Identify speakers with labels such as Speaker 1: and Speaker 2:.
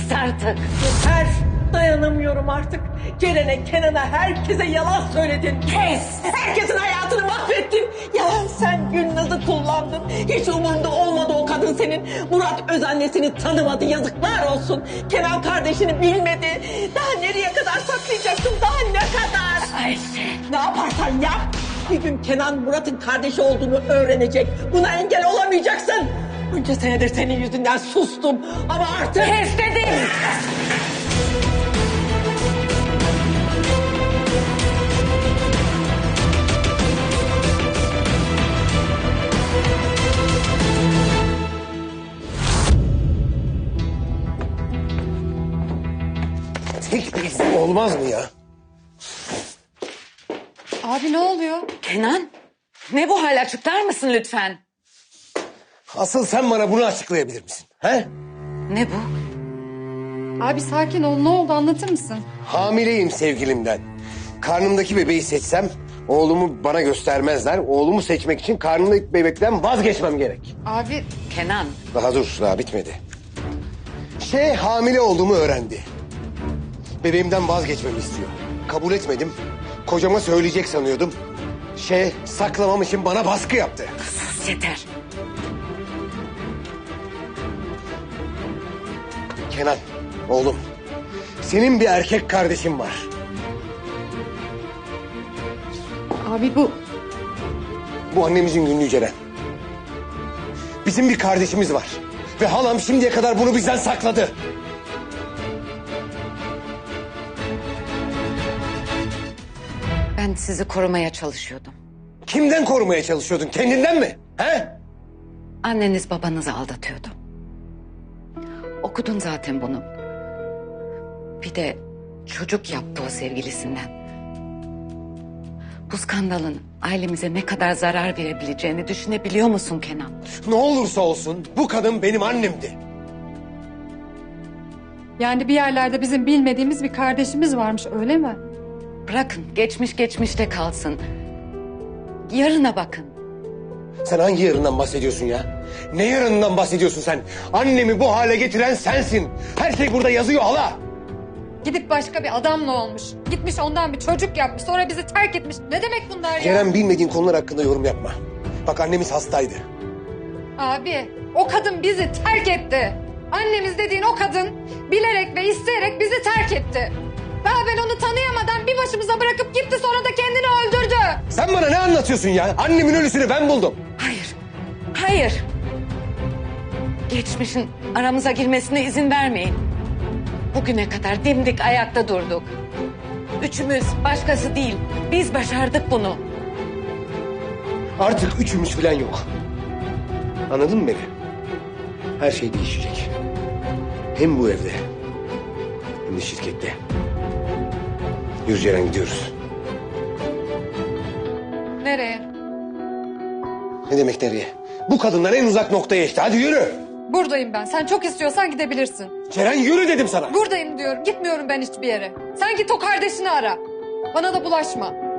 Speaker 1: Kes artık.
Speaker 2: Yeter. Dayanamıyorum artık. Ceren'e, Kenan'a, herkese yalan söyledin.
Speaker 1: Kes.
Speaker 2: Herkesin hayatını mahvettin. Ya sen Gülnaz'ı kullandın. Hiç umurunda olmadı o kadın senin. Murat öz annesini tanımadı. Yazıklar olsun. Kenan kardeşini bilmedi. Daha nereye kadar saklayacaksın? Daha ne kadar?
Speaker 1: Ayşe.
Speaker 2: Ne yaparsan yap. Bir gün Kenan Murat'ın kardeşi olduğunu öğrenecek. Buna engel olamayacaksın. Bunca senedir senin yüzünden sustum. Ama artık...
Speaker 1: Kes dedim.
Speaker 3: Tek bir izin olmaz mı ya?
Speaker 4: Abi ne oluyor?
Speaker 1: Kenan. Ne bu hal, açıklar mısın lütfen?
Speaker 3: Asıl sen bana bunu açıklayabilir misin? He?
Speaker 1: Ne bu?
Speaker 4: Abi sakin ol, ne oldu anlatır mısın?
Speaker 3: Hamileyim sevgilimden. Karnımdaki bebeği seçsem oğlumu bana göstermezler. Oğlumu seçmek için karnımdaki bebekten vazgeçmem gerek.
Speaker 4: Abi
Speaker 1: Kenan.
Speaker 3: Daha dur, daha bitmedi. Hamile olduğumu öğrendi. Bebeğimden vazgeçmemi istiyor. Kabul etmedim. Kocama söyleyecek sanıyordum. Saklamam için bana baskı yaptı.
Speaker 1: Sus yeter.
Speaker 3: Kenan, oğlum. Senin bir erkek kardeşin var.
Speaker 4: abi bu
Speaker 3: Bu annemizin günlüğü Ceren. Bizim bir kardeşimiz var. Ve halam şimdiye kadar bunu bizden sakladı.
Speaker 1: Ben sizi korumaya çalışıyordum.
Speaker 3: Kimden korumaya çalışıyordun? Kendinden mi? He?
Speaker 1: Anneniz babanızı aldatıyordu. Okudun zaten bunu. Bir de çocuk yaptı o sevgilisinden. Bu skandalın ailemize ne kadar zarar verebileceğini düşünebiliyor musun Kenan?
Speaker 3: Ne olursa olsun bu kadın benim annemdi.
Speaker 4: yani bir yerlerde bizim bilmediğimiz bir kardeşimiz varmış öyle mi?
Speaker 1: Bırakın geçmiş geçmişte kalsın. Yarına bakın.
Speaker 3: Sen hangi yarından bahsediyorsun ya? Ne yarından bahsediyorsun sen? Annemi bu hale getiren sensin. Her şey burada yazıyor hala.
Speaker 4: Gidip başka bir adamla olmuş. Gitmiş ondan bir çocuk yapmış sonra bizi terk etmiş. Ne demek bunlar ya?
Speaker 3: Ceren, bilmediğin konular hakkında yorum yapma. Bak, annemiz hastaydı.
Speaker 4: Abi o kadın bizi terk etti. Annemiz dediğin o kadın bilerek ve isteyerek bizi terk etti. Daha ben onu tanıyamadan bir başımıza bırakıp gitti sonra da kendini öldürdü.
Speaker 3: Sen bana ne anlatıyorsun ya? Annemin ölüsünü ben buldum.
Speaker 1: Hayır. Hayır. Geçmişin aramıza girmesine izin vermeyin. Bugüne kadar dimdik ayakta durduk. Üçümüz, başkası değil. Biz başardık bunu.
Speaker 3: Artık üçümüz falan yok. Anladın mı beni? Her şey değişecek. Hem bu evde hem de şirkette. Yürü Ceren, gidiyoruz.
Speaker 4: Nereye?
Speaker 3: Ne demek nereye? Bu kadınlar en uzak noktaya işte. Hadi yürü.
Speaker 4: Buradayım ben. Sen çok istiyorsan gidebilirsin.
Speaker 3: Ceren, yürü dedim sana.
Speaker 4: Buradayım diyorum. Gitmiyorum ben hiçbir yere. Sen git o kardeşini ara. Bana da bulaşma.